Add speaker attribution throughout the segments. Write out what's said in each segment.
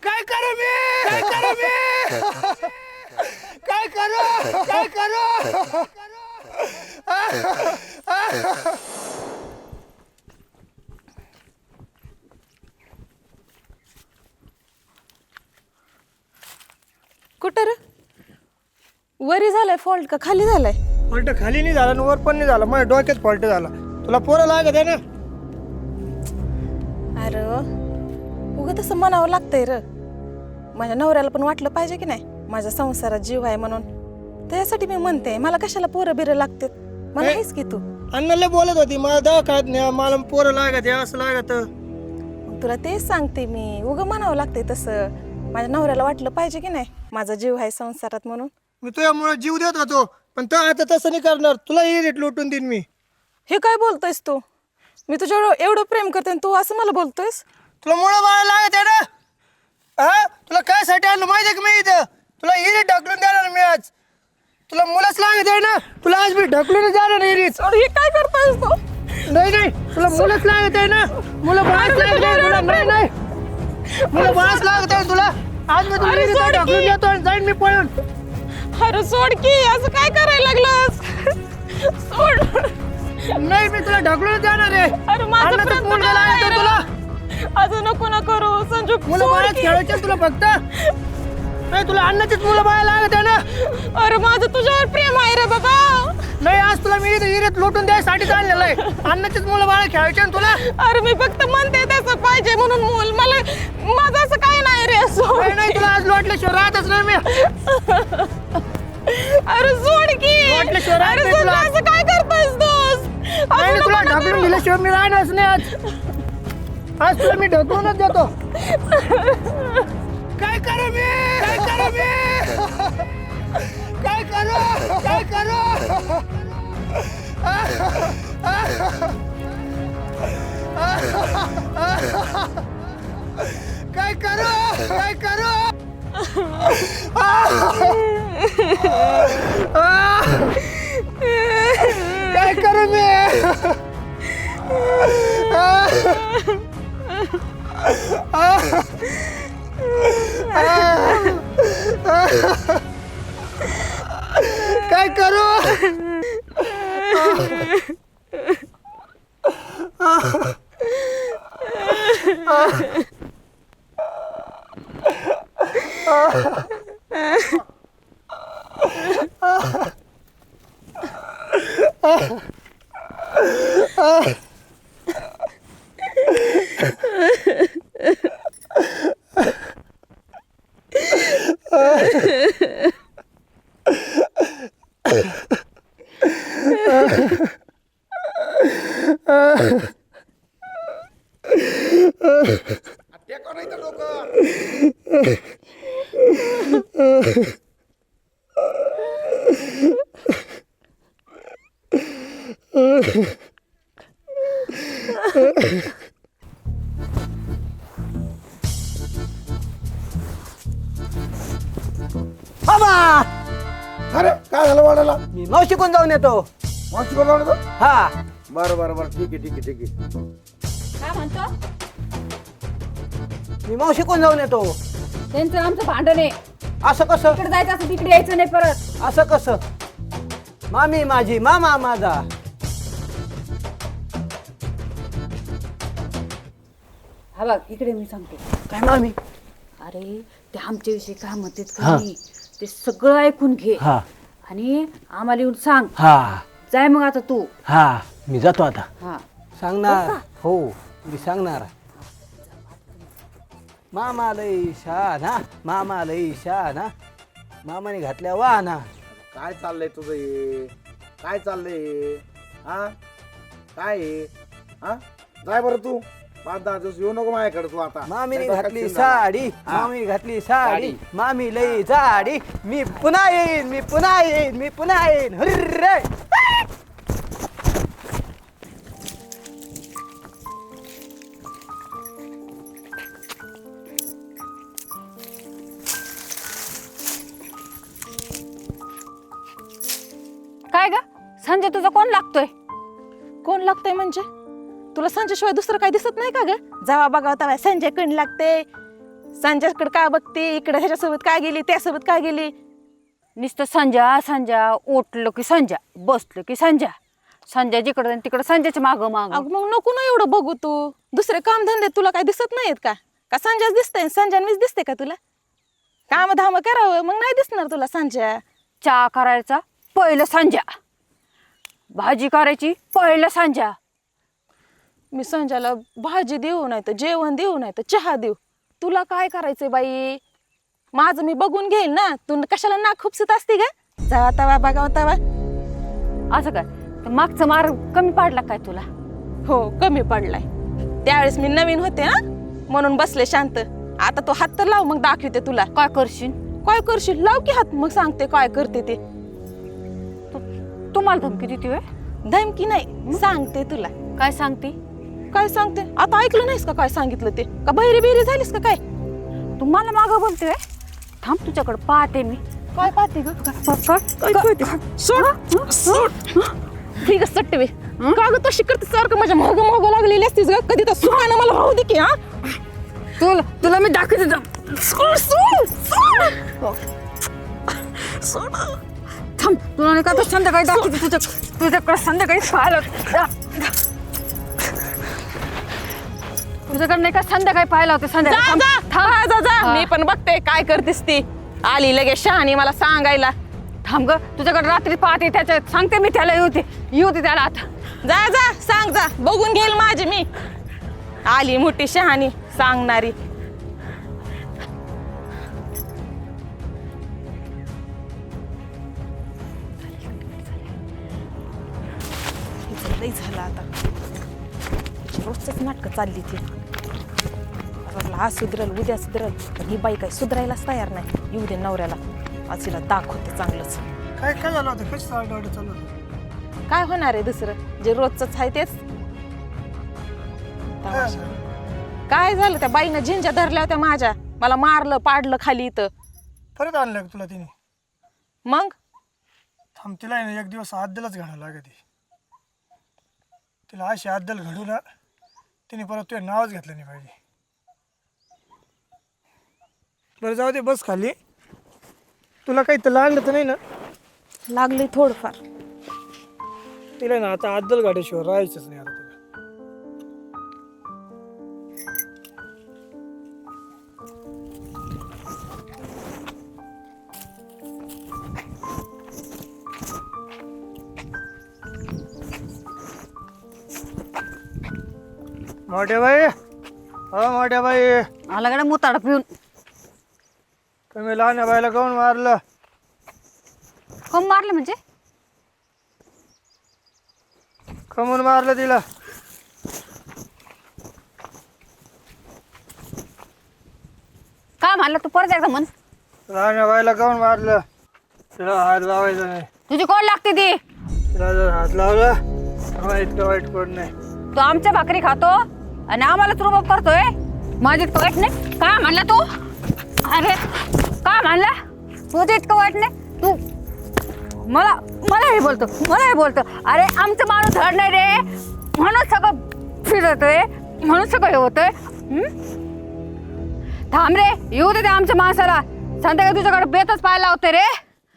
Speaker 1: काय करू मी काय करू मी काय करू काय करू
Speaker 2: कुठं रे वरी झालाय फॉल्ट का खाली झालाय?
Speaker 1: फॉल्ट खाली नाही झाला आणि वर पण नाही झाला, माझ्या डोक्यात फॉल्ट झाला. तुला पोरं लागत आहे ना?
Speaker 2: अरे उगं तसं म्हणावं लागतंय र. माझ्या नवऱ्याला पण वाटलं पाहिजे की नाही माझ्या संसारात जीव आहे म्हणून. त्यासाठी मी म्हणते मला कशाला पोरं बिरं लागतात. मला हेच की तू
Speaker 1: अण्णाला बोलत होती मला दवाखान्यात न्या, मला पोरं लागत आहे असं लागत.
Speaker 2: मग तुला तेच सांगते मी, उगं म्हणावं लागतंय तसं. माझ्या नवऱ्याला वाटलं पाहिजे की नाही माझा जीव आहे संसारात म्हणून.
Speaker 1: मी तुझ्यामुळे जीव देत होतो, पण तो आता तसं नाही करणार. तुला रेट लुटून देईन मी.
Speaker 2: हे काय बोलतोयस तू? मी तुझ्यावर एवढं प्रेम करते आणि तू असं मला बोलतोयस?
Speaker 1: तुला मुळं बाळा लागत आहे ना? हा तुला काय साठी आणलं माहिती आहे का मी इथं? तुला इरीत ढकलून देणार मी आज. तुला मुलंच लागत आहे ना? तुला आज मी ढकलून जाणार इरीत.
Speaker 2: हे काय करतोयस तू?
Speaker 1: नाही नाही तुला मुलंच लागत आहे ना? मुलं बाळच लागत आहे तुला? नाही नाही मुलं बाळच लागत आहे तुला. आज मी तुला इरीत ढकलून देतो आणि जाईन मी पळून.
Speaker 2: अरे सोड की, असं काय करायला लागलास? सोड.
Speaker 1: नाही मी तुला ढकलून जाणार आहे.
Speaker 2: अरे माझं
Speaker 1: अन्नाचं
Speaker 2: प्रयत्न
Speaker 1: मुलगा लागत आहे तुला.
Speaker 2: असं नको ना करू संजू.
Speaker 1: मुलं बाळच खेळायचे तुला फक्त. नाही तुला अन्नाचीच मुलं बाळा लागत आहे ना?
Speaker 2: अरे माझं तुझ्यावर प्रेम आहे रे बाबा.
Speaker 1: नाही आज तुला मी इरीत लुटून द्यायसाठी चाललेलं आहे. अन्नाचीच मुलं बाळा खेळायचे ना तुला.
Speaker 2: अरे मी फक्त म्हणते तसं पाहिजे म्हणून मूल मला. माझं असं काय नाही रे. सोड.
Speaker 1: नाही नाही तुला आज लोटल्याशिवाय राहतच नाही मी.
Speaker 2: अरे सोड की.
Speaker 1: लोटल्याशिवाय राहत
Speaker 2: अरे
Speaker 1: नाही
Speaker 2: सोड,
Speaker 1: तुला.
Speaker 2: असं काय करतोयस तू?
Speaker 1: नाही तुला ढकलून दिल्याशिवाय मी राहणारच नाही आज. आज तुला मी ढकलूनच देतो. काय करू मी काय करू मी काय करू काय करू काय करू काय करू काय करू मी काय करू अरे काय झालं वाढायला?
Speaker 3: मी मावशी कोण जाऊन येतो.
Speaker 1: मावशी कोण जाऊन
Speaker 3: हा
Speaker 1: बरं बरं बरं ठीक आहे ठीक आहे ठीक आहे.
Speaker 4: काय म्हणतो?
Speaker 3: मी मावशी कोण जाऊन येतो.
Speaker 4: त्यांचं आमचं भांडण आहे.
Speaker 3: असं कसं
Speaker 4: तिकडे जायचं असं तिकडे यायचं नाही परत.
Speaker 3: असं कसं. मामी माझी मामा माझा.
Speaker 4: हा बघ इकडे मी सांगते.
Speaker 3: काय मामी.
Speaker 4: अरे ते आमच्याविषयी काय म्हणतात
Speaker 3: हा.
Speaker 4: का नाही ते सगळं ऐकून घे
Speaker 3: हा
Speaker 4: आणि आम्हाला येऊन सांग.
Speaker 3: हा
Speaker 4: जाय मग आता तू.
Speaker 3: हा मी जातो आता.
Speaker 4: हा
Speaker 3: सांगणार हो मी सांगणार. मामा लई शहाणा मामा लई शहाणा मामाने घातल्या वाहना.
Speaker 5: काय चाललंय तुझं हे? काय चाललंय हा? काय हे? हा जाय बरं तू 5-10 दिवस येऊ नको माझ्याकडे तू आता.
Speaker 3: मामीने
Speaker 5: नाही तर
Speaker 3: घातली
Speaker 5: कच्ची झाला.
Speaker 3: साडी मामी घातली साडी मामी लई जाडी. मी पुन्हा येईन मी पुन्हा येईन मी पुन्हा येईन. हुर्रे.
Speaker 4: काय ग संजय तुझा कोण लागतोय?
Speaker 2: कोण लागतंय म्हणजे? तुला संजय शिवाय दुसरं काही दिसत नाही का ग? जावा बघा तेव्हा संजय कण लागते. संजयकडे काय बघते, इकडे ह्याच्यासोबत काय गेली, त्यासोबत काय गेली.
Speaker 4: नुसतं संजा संजा, उठलं की संजा, बसलं की संजा, संजय जिकडं आणि तिकडं संजयच्या मागं मागं.
Speaker 2: अगं मग नको ना एवढं बघू तू. दुसरे काम धंदे तुला काय दिसत नाहीत का? का संजयच दिसतंय, संजय मीच दिसते का तुला? काम धाम करावं मग नाही दिसणार तुला संजय.
Speaker 4: चहा करायचा पहिलं संजा, भाजी करायची पहिलं संजा.
Speaker 2: मी संजयला भाजी देऊ नाही तर जेवण देऊ नाही तर चहा देऊ, तुला काय करायचंय बाई? माझं मी बघून घेईल ना. तू कशाला नाक खुपसत असते का? जावा तवा बघावा तवा.
Speaker 4: असं काय तर मागचं मार कमी पाडला काय तुला?
Speaker 2: हो कमी पडलाय. त्यावेळेस मी नवीन होते ना म्हणून बसले शांत. आता तो हात तर लाव, मग दाखवते तुला.
Speaker 4: काय करशील?
Speaker 2: काय करशील? लाव की हात, मग सांगते काय करते ते.
Speaker 4: तुम्हाला धमकी देते होय?
Speaker 2: धमकी नाही, सांगते तुला.
Speaker 4: काय सांगते?
Speaker 2: काय सांगते? आता ऐकलं नाहीस का काय सांगितलं ते? का बहिरी बिहिरी झालीस का काय?
Speaker 4: तुम्हाला मागं बोलते होय? थांब तुझ्याकडे पाहते मी.
Speaker 2: काय पाहते ग? ठीक आहे सट्टवे. का ग तशी करते सारखं माझ्या मागं मागं लागलेली असतीस ग? कधी तर सुखानं मला राहू दे की. हा
Speaker 4: तुला मी दाखवते. थांब, तुला नाही का तर संध्याकाळी दाखवते. तुझ्याकडे संध्याकाळी पाहायला, तुझ्याकडे नाही का संध्याकाळी पाहायला होते.
Speaker 2: जा मी पण बघते काय करतेस ती. आली लगेच शहाणी मला सांगायला.
Speaker 4: थांब ग, तुझ्याकडे रात्री पाहते, त्याच्यात सांगते मी त्याला. येऊ दे त्याला आता.
Speaker 2: जा जा सांग, जा बघून घेईल माझी मी. आली मोठी शहाणी सांगणारी. झालं आता रोजच नाटकं चालली ती. आज सुधरल उद्या सुधरल, पण ही बाई काय सुधरायलाच तयार नाही. येऊ दे नवऱ्याला, आज हिला दाखवते चांगलंच.
Speaker 1: काय काय झालं होतं? कशी चालू चालू होतं?
Speaker 2: काय होणार आहे दुसरं, जे रोजच आहे तेच. तमाशा. काय झालं? त्या बाईनं झिंजा धरल्या होत्या माझ्या, मला मारलं पाडलं खाली इथं.
Speaker 1: परत आणलं का तुला तिने?
Speaker 2: मग
Speaker 1: थांब, तिला आहे ना एक दिवस आद्दलच घडावं लागत. तिला अशी आद्दल घडू ना, तिने परत तुझं नावच घेतलं नाही पाहिजे. बरं जाऊ दे, बस खाली. तुला काही तर लागलं तर नाही ना?
Speaker 2: लागली थोडंफार.
Speaker 1: तिला ना आता आद्दल गाड्याशिवाय राहायचंच नाही आता तिला. मोठ्या बाई, हो मोठ्या बाई,
Speaker 4: आला कडे मुताडा पिऊन.
Speaker 1: तुम्ही लहान बाईला काऊन मारलं?
Speaker 4: कोण मारलं म्हणजे?
Speaker 1: कमून मारलं तिला?
Speaker 4: काय म्हणलं तू? परत एकदा म्हण.
Speaker 1: लहान बाईला काऊन मारलं? तिला हात लावायचा नाही.
Speaker 4: तुझी कोण लागते ती?
Speaker 1: तिला जर हात लावला आम्हाला इतकं वाईट कोण नाही.
Speaker 4: तू आमच्या भाकरी खातो आणि आम्हालाच रुबाब करतोय. माझं इतकं वाईट नाही. काय म्हणला तू? अरे काय म्हणला? तुझं इतकं वाईट नाही. तू मला हे बोलतो. अरे आमचं माणूस धड नाही रे, म्हणून सगळं फिरतोय, म्हणून सगळं हे होतंय. थांब रे, येऊ दे आमच्या माणसाला. संध्याकाळी तुझ्याकडे बेतच पाहायला होते रे.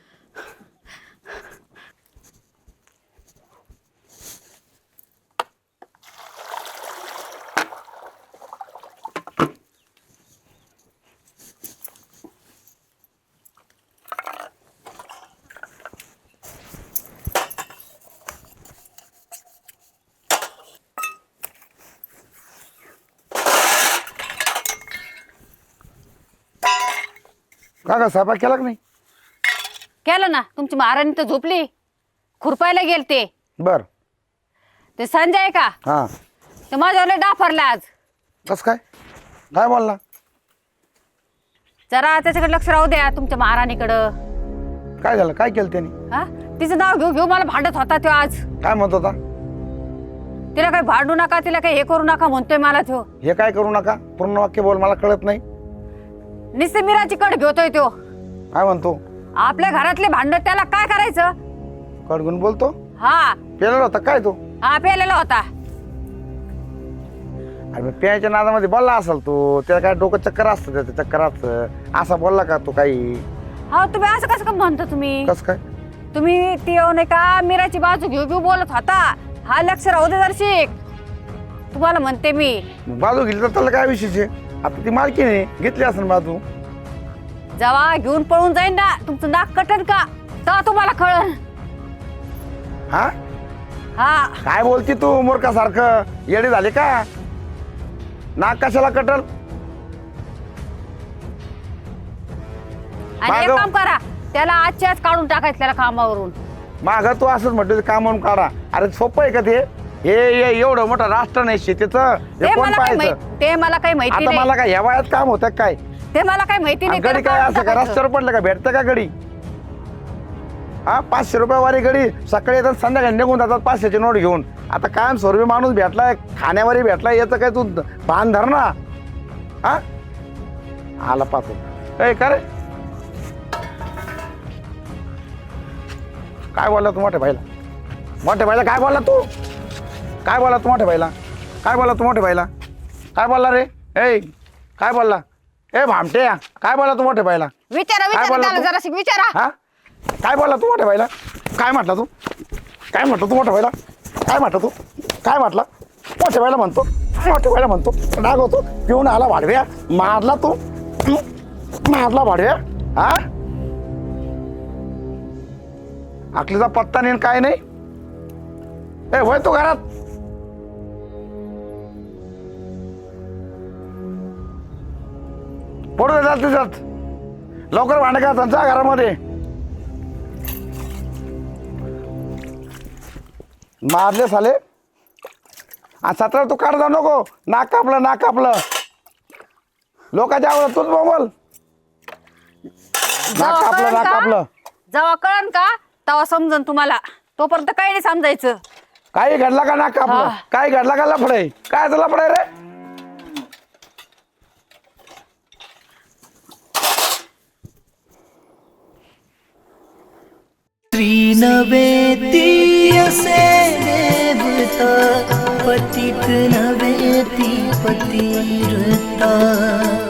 Speaker 5: का स्वयंपाक केला का नाही?
Speaker 4: केलं ना. तुमची महाराणी तर झोपली, खुरपायला गेलते.
Speaker 5: बर.
Speaker 4: ते संजय आहे का,
Speaker 5: हा.
Speaker 4: ते माझ्यावर डाफरला आज.
Speaker 5: कस काय? काय बोलला?
Speaker 4: जरा त्याच्याकडे लक्ष राहू द्या तुमच्या महाराणीकडं.
Speaker 5: काय झालं? काय केलं त्याने?
Speaker 4: हा, तिचं नाव घेऊ मला भांडत होता तो आज.
Speaker 5: काय म्हणत होता?
Speaker 4: तिला काही भांडू नका, तिला काही हे करू नका म्हणतोय मला तो.
Speaker 5: हे काय करू नका? पूर्ण वाक्य बोल, मला कळत नाही.
Speaker 4: निस्ते मिराची कड घेतोय तो.
Speaker 5: काय म्हणतो?
Speaker 4: आपल्या घरातले भांड त्याला काय करायचं?
Speaker 5: कडगुण बोलतो?
Speaker 4: हा,
Speaker 5: पेलेला होता काय तो?
Speaker 4: हा पेलेला होता.
Speaker 5: अरे प्यायच्या नादामध्ये बोलला असेल तू, त्याला काय डोकं चक्कर असतं, त्याचं चक्कर असतं असं बोलला का तू काही?
Speaker 4: हा तुम्ही असं कसं म्हणता तुम्ही?
Speaker 5: कस काय?
Speaker 4: तुम्ही ती नाही का मीराची बाजू घेऊ घेऊ बोलत होता. हा लक्ष राहू दे दर्शिक, तुम्हाला म्हणते मी.
Speaker 5: बाजू घेतली तर त्याला काय विषयचे? आता ती मालकीने घेतली असेल बाजू.
Speaker 4: जेव्हा घेऊन पळून जाईन ना तुमचं नाक कटन का तेव्हा तुम्हाला कळन.
Speaker 5: हा
Speaker 4: हा
Speaker 5: काय बोलती तू मूर्खासारखं? येडी झाली का? नाक कशाला कटल?
Speaker 4: आणि एक
Speaker 5: मागं-
Speaker 4: काम करा, त्याला आजच्याच काढून टाकायचं त्याला कामावरून.
Speaker 5: माग तू असंच म्हटलं काम म्हणून काढा. अरे सोपं आहे का ते? हे एवढं मोठं राष्ट्र नाही शेतीचं,
Speaker 4: ते
Speaker 5: हे कोण
Speaker 4: मला काही
Speaker 5: पाहायचं?
Speaker 4: ते मला काही माहिती
Speaker 5: आता
Speaker 4: नाही.
Speaker 5: मला काय ह्या वयात काम होतं काय?
Speaker 4: ते मला काही माहिती नाही.
Speaker 5: गडी
Speaker 4: त्याला
Speaker 5: काय
Speaker 4: काढून
Speaker 5: असं का
Speaker 4: टाकायचं.
Speaker 5: रस्त्यावर पडलं का? भेटतं का गडी? हा 500 रुपये वारी गडी, सकाळी येतात संध्याकाळी निघून जातात 500ची नोट घेऊन. आता कायम स्वरूपी माणूस भेटलाय, खाण्यावरही भेटलाय, याचं काय तू भान धर ना. हा आला पाहतो ए का रे? काय बोलला तू मोठ्या भाईला? मोठ्या भाईला काय बोलला तू? काय बोलला तू मोठ्या भाईला? काय बोलला तू मोठ्या भाईला? काय बोलला रे? ए काय बोलला? ए भामटे काय बोलला तू मोठ्या भाईला?
Speaker 4: विचारा
Speaker 5: काय
Speaker 4: विचारा
Speaker 5: बोलला
Speaker 4: त्याला
Speaker 5: तू?
Speaker 4: जराशी विचारा.
Speaker 5: हा काय बोलला तू मोठ्या भाईला? काय म्हटला तू? काय म्हटलं तू मोठ्या भाईला? काय म्हटलं तू? काय म्हटलं? मोठ्या भाईला म्हणतो, मोठ्या भाईला म्हणतो, राग होतो, पिऊन आला वाढव्या, मारला तू, मारला वाढव्या. हा आकलीचा पत्ता नाही काय नाही. ए होय तू घरात? पडू दे जात तिच्यात, लवकर भांडे का जा घरामध्ये. मारले साले. आणि 17 तू काढ जाऊ नको. नाक कापलं, नाक कापलं. लोकांच्या आवडत तूच बोल. नाक कापलं, नाक कापलं.
Speaker 4: जेव्हा कळन का तेव्हा समजन तुम्हाला. तोपर्यंत काही नाही समजायचं.
Speaker 5: काही घडला का नाक कापलं?
Speaker 4: हा.
Speaker 5: काय घडला का लफडे? काय झालं लफडे रे?
Speaker 6: त्रिनवेती असे देवता पतित नवेती पतिरता